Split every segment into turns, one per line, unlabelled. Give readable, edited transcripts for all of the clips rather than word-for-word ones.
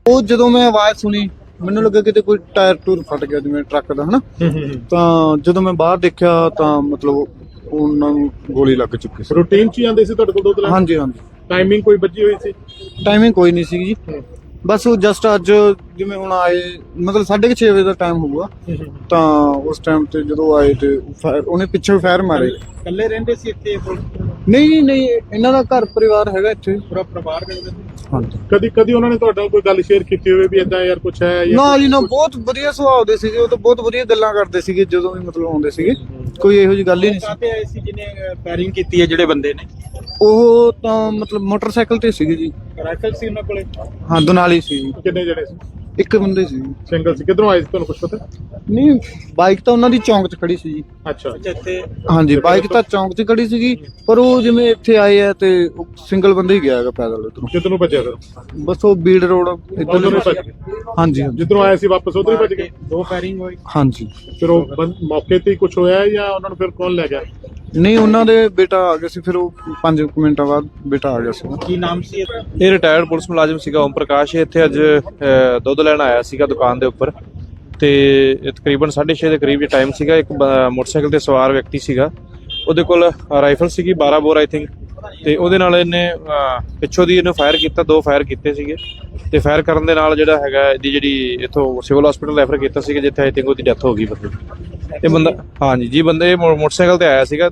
ਉਹ ਜਦੋਂ ਮੈਂ ਆਵਾਜ਼ ਸੁਣੀ ਮੈਨੂੰ ਲੱਗਾ ਕਿਤੇ ਕੋਈ ਟਾਇਰ ਟੂਰ ਫਟ ਗਿਆ ਜਿਵੇਂ ਟਰੱਕ ਦਾ ਹਨਾ। ਤਾਂ ਜਦੋਂ ਮੈਂ ਬਾਹਰ ਦੇਖਿਆ ਤਾਂ ਮਤਲਬ ਉਹਨਾਂ ਨੂੰ ਗੋਲੀ ਲੱਗ ਚੁੱਕੀ ਸੀ।
ਰੂਟੀਨ 'ਚ ਹੀ ਆਉਂਦੇ ਸੀ ਤੁਹਾਡੇ ਕੋਲ ਦੁੱਧ ਲੈਣ?
ਹਾਂਜੀ ਹਾਂਜੀ।
ਟਾਈਮਿੰਗ ਕੋਈ ਵੱਜੀ ਹੋਈ ਸੀ?
ਟਾਈਮਿੰਗ ਕੋਈ ਨਹੀਂ ਸੀਗੀ ਜੀ, ਬਸ ਉਹ ਜਸਟ ਅੱਜ ਜਿਵੇਂ ਹੁਣ ਆਏ ਮਤਲਬ 6:30 ਵਜੇ ਦਾ ਟਾਈਮ ਹੋਊਗਾ। ਤਾਂ ਉਸ ਟਾਈਮ ਤੇ ਜਦੋਂ ਆਏ ਤੇ ਉਹਨੇ ਪਿੱਛੇ ਫਾਇਰ ਮਾਰੇ।
ਇਕੱਲੇ ਰਹਿੰਦੇ ਸੀ ਇੱਥੇ?
ਨਹੀਂ ਨਹੀਂ, ਇਹਨਾਂ ਦਾ ਘਰ ਪਰਿਵਾਰ ਹੈਗਾ ਇੱਥੇ
ਪੂਰਾ ਪਰਿਵਾਰ ਰਹਿੰਦੇ?
ਹਾਂਜੀ।
ਕਦੀ ਉਹਨਾਂ ਨੇ ਤੁਹਾਡੇ ਨਾਲ ਕੋਈ ਗੱਲ ਸ਼ੇਅਰ ਕੀਤੀ ਹੋਵੇ ਵੀ ਇਦਾਂ ਯਾਰ ਕੁਛ ਹੈ?
ਨਾ ਜੀ ਨਾ, ਬਹੁਤ ਵਧੀਆ ਸੁਭਾਅ ਦੇ ਸੀਗੇ ਉਹ ਤਾਂ, ਬਹੁਤ ਵਧੀਆ ਗੱਲਾਂ ਕਰਦੇ ਸੀਗੇ ਜਦੋਂ ਵੀ ਮਤਲਬ ਆਉਂਦੇ ਸੀਗੇ, ਕੋਈ ਇਹੋ ਜਿਹੀ ਗੱਲ ਹੀ ਨਹੀਂ ਸੀ।
ਕਾਹਤੇ ਆਏ ਸੀ ਜਿਹਨੇ ਫਾਇਰਿੰਗ ਕੀਤੀ ਹੈ ਜਿਹੜੇ ਬੰਦੇ ਨੇ?
ਉਹ ਤਾਂ ਮਤਲਬ ਮੋਟਰਸਾਈਕਲ ਤੇ ਸੀਗੇ ਜੀ।
ਰਾਈਫਲ ਸੀ ਉਹਨਾਂ ਕੋਲੇ?
ਹਾਂ, ਦੁਨਾਲੀ ਸੀ।
ਕਿੰਨੇ ਜਣੇ ਸੀ?
ਇੱਕ ਬੰਦੇ ਸੀ।
ਸਿੰਗਲ ਸੀ? ਕਿੱਧਰੋਂ ਆਏ ਸੀ ਤੁਹਾਨੂੰ ਕੁਝ ਪਤਾ?
ਨਹੀਂ, ਬਾਈਕ ਤਾਂ ਉਹਨਾਂ ਦੀ ਚੌਂਕ 'ਚ ਖੜੀ ਸੀ ਜੀ।
ਅੱਛਾ। ਇੱਥੇ?
ਹਾਂਜੀ, ਬਾਈਕ ਤਾਂ ਚੌਂਕ 'ਚ ਖੜੀ ਸੀਗੀ, ਪਰ ਉਹ ਜਿਵੇਂ ਇੱਥੇ ਆਏ ਆ ਤੇ ਸਿੰਗਲ ਬੰਦਾ ਹੀ ਗਿਆ ਹੈਗਾ ਪੈਦਲ ਉਧਰੋਂ।
ਕਿੱਧਰ ਨੂੰ ਭੱਜਿਆ ਫਿਰ?
ਬਸ ਉਹ ਬੀੜ ਰੋਡ
ਉੱਧਰ ਨੂੰ ਭੱਜ ਗਏ?
ਹਾਂਜੀ।
ਜਿੱਧਰੋਂ ਆਏ ਸੀ ਵਾਪਸ ਉਧਰ ਹੀ ਭੱਜ ਗਏ?
ਦੋ ਫਾਇਰਿੰਗ ਹੋਈ?
ਹਾਂਜੀ।
ਫਿਰ ਉਹ ਮੌਕੇ ਤੇ ਹੀ ਕੁਝ ਹੋਇਆ ਜਾਂ ਉਹਨਾਂ ਨੂੰ ਫਿਰ ਕੌਣ ਲੈ ਗਿਆ?
ਨਹੀਂ, ਉਹਨਾਂ ਦੇ ਬੇਟਾ ਆ ਗਿਆ ਸੀ, ਫਿਰ ਉਹ 5 ਮਿੰਟਾਂ ਬਾਅਦ ਬੇਟਾ ਆ ਗਿਆ ਸੀ।
ਕੀ ਨਾਮ ਸੀ?
ਇਹ ਰਿਟਾਇਰਡ ਪੁਲਿਸ ਮੁਲਾਜ਼ਮ ਸੀਗਾ ਓਮ ਪ੍ਰਕਾਸ਼। ਇੱਥੇ ਅੱਜ ਦੁੱਧ ਲੈਣ ਆਇਆ ਸੀਗਾ ਦੁਕਾਨ ਦੇ ਉੱਪਰ ਤੇ ਤਕਰੀਬਨ 6:30 ਦੇ ਕਰੀਬ ਟਾਈਮ ਸੀਗਾ। ਇੱਕ ਮੋਟਰਸਾਈਕਲ ਤੇ ਸਵਾਰ ਵਿਅਕਤੀ ਸੀਗਾ, ਉਹਦੇ ਕੋਲ ਰਾਈਫਲ ਸੀਗੀ 12 ਬੋਰ ਆਈ ਥਿੰਕ, ਤੇ ਉਹਦੇ ਨਾਲ ਇਹਨੇ ਪਿੱਛੋਂ ਦੀ ਇਹਨੂੰ ਫਾਇਰ ਕੀਤਾ। 2 ਫਾਇਰ ਕੀਤੇ ਸੀਗੇ ਤੇ ਫਾਇਰ ਕਰਨ ਦੇ ਨਾਲ ਜਿਹੜਾ ਹੈਗਾ ਇਹਦੀ ਜਿਹੜੀ ਇੱਥੋਂ ਸਿਵਲ ਹਸਪੀਟਲ ਰੈਫਰ ਕੀਤਾ ਸੀਗਾ, ਜਿੱਥੇ ਆਈ ਥਿੰਕ ਉਹਦੀ ਡੈਥ ਹੋ ਗਈ ਬੰਦੇ ਦੀ। ਇਹ ਬੰਦਾ ਹਾਂਜੀ ਬੰਦੇ ਮੋਟਰਸਾਈਕਲ ਤੇ ਆਇਆ ਸੀਗਾ,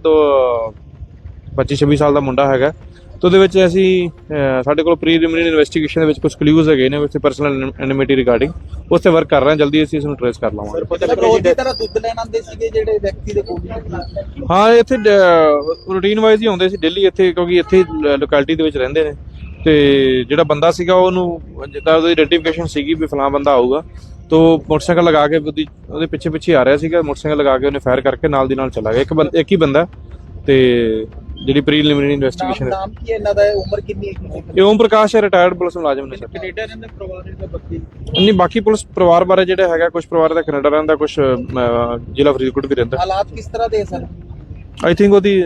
25-26 ਸਾਲ ਦਾ ਮੁੰਡਾ ਹੈਗਾ। ਤੇ ਉਹਦੇ ਵਿੱਚ ਅਸੀਂ ਸਾਡੇ ਕੋਲ ਪ੍ਰੀਲਿਮਿਨਰੀ ਇਨਵੈਸਟੀਗੇਸ਼ਨ ਦੇ ਵਿੱਚ ਕੁਝ ਕਲੂਜ਼ ਹੈਗੇ ਨੇ ਵਿੱਚ ਪਰਸਨਲ ਐਨਿਮਿਟੀ ਰਿਗਾਰਡਿੰਗ, ਉਸ ਤੇ ਵਰਕ ਕਰ ਰਹੇ ਹਾਂ। ਜਲਦੀ ਅਸੀਂ ਇਸ ਨੂੰ ਟ੍ਰੇਸ ਕਰ ਲਾਵਾਂਗੇ।
ਰੋਜ਼ ਦੀ ਤਰ੍ਹਾਂ ਦੁੱਧ ਲੈਣ ਆਉਂਦੇ ਸੀਗੇ ਜਿਹੜੇ ਵਿਅਕਤੀ ਦੇ ਕੋਲ?
ਹਾਂ, ਇੱਥੇ ਰੂਟੀਨ ਵਾਈਜ਼ ਹੀ ਆਉਂਦੇ ਸੀ ਡੇਲੀ ਇੱਥੇ, ਕਿਉਂਕਿ ਇੱਥੇ ਲੋਕੈਲਿਟੀ ਦੇ ਵਿੱਚ ਰਹਿੰਦੇ ਨੇ। ਤੇ ਜਿਹੜਾ ਬੰਦਾ ਸੀਗਾ ਉਹਨੂੰ ਜਿੱਦਾਂ ਉਹਦੀ ਆਈਡੈਂਟੀਫਿਕੇਸ਼ਨ ਸੀਗੀ ਵੀ ਫਲਾਂ ਬੰਦਾ ਆਊਗਾ, ਤੋ ਮੋਟਰਸਾਈਕਲ ਲਗਾ ਕੇ ਉਹਦੇ ਪਿੱਛੇ ਆ ਰਿਹਾ ਸੀਗਾ। ਮੋਟਰਸਾਈਕਲ ਲਗਾ ਕੇ ਉਹਨੇ ਫਾਇਰ ਕਰਕੇ ਨਾਲ ਦੀ ਨਾਲ ਚਲਾ ਗਿਆ। ਇੱਕ ਹੀ ਬੰਦਾ। ਤੇ ਜਿਹੜੀ ਪ੍ਰੀਲਿਮਿਨਰੀ ਇਨਵੈਸਟੀਗੇਸ਼ਨ
ਨਾਮ ਕੀ ਹੈ ਇਹਨਾਂ ਦਾ? ਉਮਰ ਕਿੰਨੀ ਹੈ?
ਇਹ ਓਮ ਪ੍ਰਕਾਸ਼ ਹੈ, ਰਿਟਾਇਰਡ ਪੁਲਿਸ ਮੁਲਾਜ਼ਮ ਨੇ ਸਰ।
ਕੈਨੇਡਾ ਰਹਿੰਦੇ ਪਰਿਵਾਰ ਦੇ ਬਾਕੀ?
ਨਹੀਂ, ਬਾਕੀ ਪੁਲਿਸ ਪਰਿਵਾਰ ਬਾਰੇ ਜਿਹੜਾ ਹੈਗਾ, ਕੁਝ ਪਰਿਵਾਰ ਦਾ ਕੈਨੇਡਾ ਰਹਿੰਦਾ, ਕੁਝ ਜ਼ਿਲ੍ਹਾ ਫਰੀਦਕੋਟ ਵੀ ਰਹਿੰਦਾ।
ਹਾਲਾਤ ਕਿਸ ਤਰ੍ਹਾਂ ਦੇ ਸਰ?
ਆਈ ਥਿੰਕ ਉਹਦੀ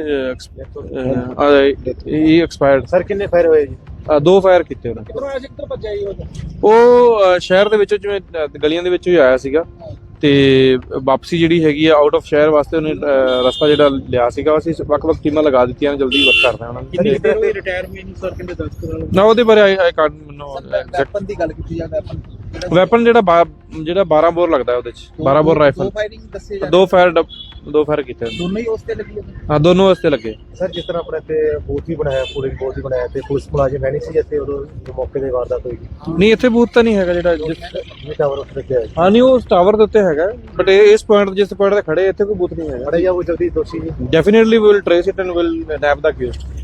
ਐਕਸਪਾਇਰਡ।
ਸਰ ਕਿੰਨੇ ਫਾਇਰ ਹੋਏ ਜੀ?
2 ਫਾਇਰ ਕੀਤੇ ਉਹਨਾਂ।
ਕਿੱਧਰੋਂ ਆਇਆ ਸੀ, ਕਿੱਧਰੋਂ ਭੱਜਿਆ ਜੀ
ਉਹ ਸ਼ਹਿਰ ਦੇ ਵਿੱਚੋਂ ਜਿਵੇਂ ਗਲੀਆਂ ਦੇ ਵਿੱਚੋਂ ਹੀ ਆਇਆ ਸੀਗਾ ਤੇ ਵਾਪਸੀ ਜਿਹੜੀ ਹੈਗੀ ਆ ਆਊਟ ਆਫ ਸ਼ਹਿਰ ਵਾਸਤੇ ਉਹਨੇ ਰਸਤਾ ਜਿਹੜਾ ਲਿਆ ਸੀਗਾ। ਅਸੀਂ ਵੱਖ-ਵੱਖ ਟੀਮਾਂ ਲਗਾ ਦਿੱਤੀਆਂ ਨੇ, ਜਲਦੀ ਵਰਕ ਕਰਦੇ ਹਾਂ ਉਹਨਾਂ ਨੂੰ।
ਕਿੰਨੀ ਦੇਰ ਹੋਈ ਰਿਟਾਇਰ ਹੋਏ ਨੂੰ ਸਰ? ਕਿੰਨੇ 10 ਕਰਾ
ਨਾ ਉਹਦੇ ਬਾਰੇ ਆਈ ਕਾਰਡ ਮੈਨੂੰ
ਵੈਪਨ ਦੀ ਗੱਲ ਕੀਤੀ ਜਾਵੇ?
ਵੈਪਨ ਜਿਹੜਾ 12 ਬੋਰ ਲੱਗਦਾ ਉਹਦੇ ਚ 12 ਬੋਰ ਰਾਈਫਲ।
2 ਫਾਇਰਿੰਗ ਦੱਸੇ ਜਾਂਦੇ?
2 ਫਾਇਰ ਕੀਤੇ
ਦੋਨੋਂ ਹੀ ਉਸ ਤੇ ਲੱਗੀ?
ਹਾਂ, ਦੋਨੋਂ ਵਾਸਤੇ ਲੱਗੇ।
ਸਰ ਜਿਸ ਤਰ੍ਹਾਂ ਆਪਣੇ ਤੇ ਬੂਥ ਹੀ ਬਣਾਇਆ, ਪੁਲਿਸ ਬੂਥ ਹੀ ਬਣਾਇਆ, ਤੇ ਪੁਲਿਸ ਮੁਲਾਜ਼ਮ ਹੈ ਨਹੀਂ ਸੀ ਇੱਥੇ ਉਦੋਂ ਮੌਕੇ ਦੇ ਵਾਰਦਾਤ ਹੋਈ?
ਨਹੀਂ, ਇੱਥੇ ਬੂਥ ਤਾਂ ਨਹੀਂ ਹੈਗਾ ਜਿਹੜਾ
ਟਾਵਰ ਉੱਤੇ ਰੱਖਿਆ ਹੈ।
ਹਾਂ, ਨਹੀਂ, ਉਹ ਟਾਵਰ ਦੇ ਉੱਤੇ ਹੈਗਾ, ਬਟ ਇਸ ਪੁਆਇੰਟ ਜਿਸ ਪੁਆਇੰਟ ਤੇ ਖੜੇ ਇੱਥੇ ਕੋਈ ਬੂਥ ਨਹੀਂ ਹੈਗਾ।
ਬੜੇ ਜਾਂ ਉਹ ਜਲਦੀ ਦੋਸ਼ੀ ਜੀ?
Definitely we will trace it and will nab the accused.